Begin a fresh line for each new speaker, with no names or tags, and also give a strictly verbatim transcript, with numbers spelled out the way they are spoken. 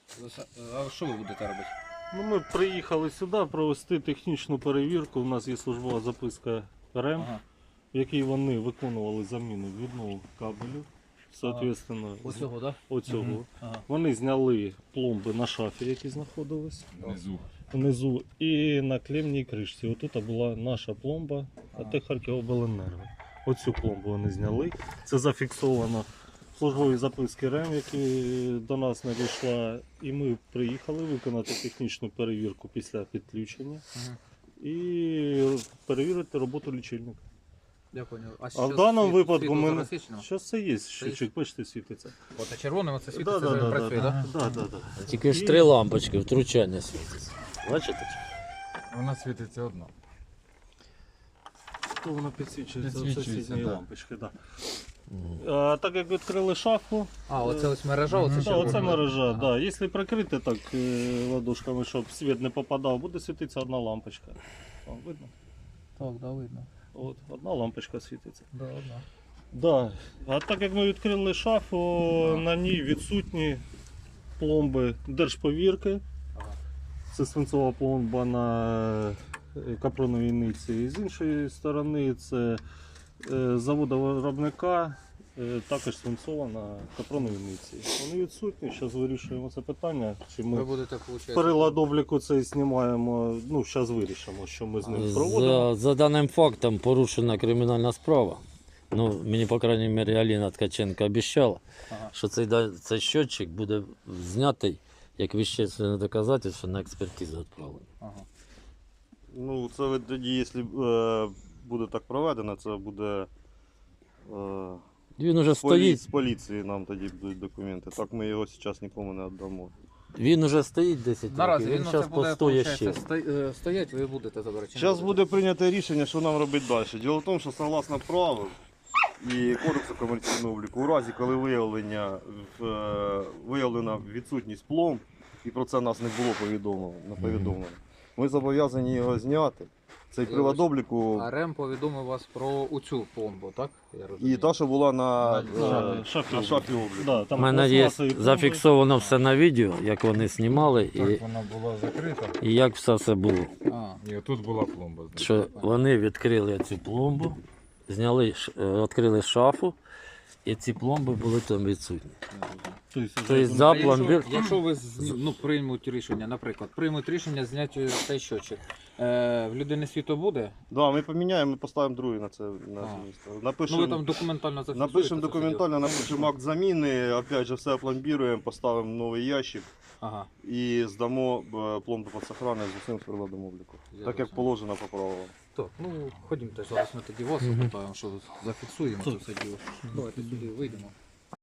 А що ви будете робити?
Ну, ми приїхали сюди провести технічну перевірку. У нас є службова записка РЕМ,
Ага.
в якій вони виконували заміну віднову кабелю. Соответственно,
Оцього, так?
оцього.
Мгм. Ага.
Вони зняли пломби на шафі, які знаходились
Внизу.
внизу, і на клемній кришці. Отут була наша пломба, а
Ага.
те Харківобленерго. Оцю пломбу вони зняли. Це зафіксовано в службовій записки РЕМ, які до нас надійшла. І ми приїхали виконати технічну перевірку після підключення
Ага.
і перевірити роботу лічильника.
Я понял. А,
А в даному випадку
світло
ми...
зараз свічено?
Що це є? Щочик, бачите, світиться.
От, а червоним оце
Да,
світиться,
да,
це
да,
працює,
да,
так?
да, да, да.
Тільки ж три лампочки, втручання світиться. Бачите?
Вона світиться одна.
То воно підсвічується,
Підсвічується,
сусідні
так.
лампочки. Да. А, так як відкрили шафу,
А, оце ось мережа, оце
да,
червона.
оце мережа.
Ага.
Да. Якщо прикрити так е, ладошками, щоб світ не попадав, буде світитися одна лампочка. О, видно?
Так, да, видно.
От, одна лампочка світиться.
Да, да.
Да. А так як ми відкрили шафу, на ній відсутні пломби держповірки.
Ага.
Це свинцова пломба на е, капроновій ниці. З іншої сторони це е, завода-виробника, е, також свинцова на капроновій ниці. Вони відсутні, зараз вирішуємо це питання. Чи
Ви
ми
будете, виходить...
перелад обліку цей знімаємо, ну зараз вирішимо, що ми з ним проводимо.
За, за даним фактом порушена кримінальна справа. Ну, мені, по крайній мірі, Аліна Ткаченко обіцяла,
Ага.
що цей, да- цей щотчик буде знятий як вещественне доказательство на експертизу відправлено.
Ага.
Ну, це ви тоді, якщо е, буде так проведено, це буде е,
Він уже
з, полі... з
стоїть,
поліції нам тоді будуть документи. Так ми його зараз нікому не віддамо.
він уже стоїть десять
Наразі
років,
він
він
це
зараз
буде,
постоє ще.
виходить, сто- е, стоять, ви будете забирати. чи не
Зараз
будете?
буде прийнято рішення, що нам робити далі. Діло в тому, що согласно правил і кодексу комерційного обліку, у разі, коли виявлення, в- е, виявлена відсутність пломб, і про це нас не було повідомлено, не повідомлено, ми зобов'язані його зняти. Цей
Я
привод
бачу.
обліку
А РЕМ повідомив вас про оцю пломбу, так? Я розумію.
і та, що була на,
На
е,
шафі
на
обліку.
шафі обліку.
Да,
У
там
мене є
пластмасові пломби.
зафіксовано все на відео, як вони знімали і,
Так вона була закрита.
і як все це було.
А,
І отут була пломба.
Що вони відкрили цю пломбу, зняли, ш- е, відкрили шафу, і ці пломби були там відсутні.
Тобто,
Тобто
вже
за
а якщо,
пломбір.
якщо ви з- ну, приймуть рішення, наприклад, приймуть рішення зняти цей щочик, е, в людини світло буде?
Да, ми поміняємо, ми поставимо другий на це на
А.
це місце.
Ну
Напишемо,
ви там документально зафіксуєте.
напишемо
це
документально,
все діло?
напишемо акт заміни, опять же все опломбіруємо, поставимо новий ящик
Ага.
і здамо е, пломбу під сохранність з усім з приладом обліку.
Я
Так як
розумію.
положено по правилам.
Так, ну ходімте, зараз ми тоді вас
Мгм.
запитаємо, що зафіксуємо це все діло. Давайте сюди вийдемо.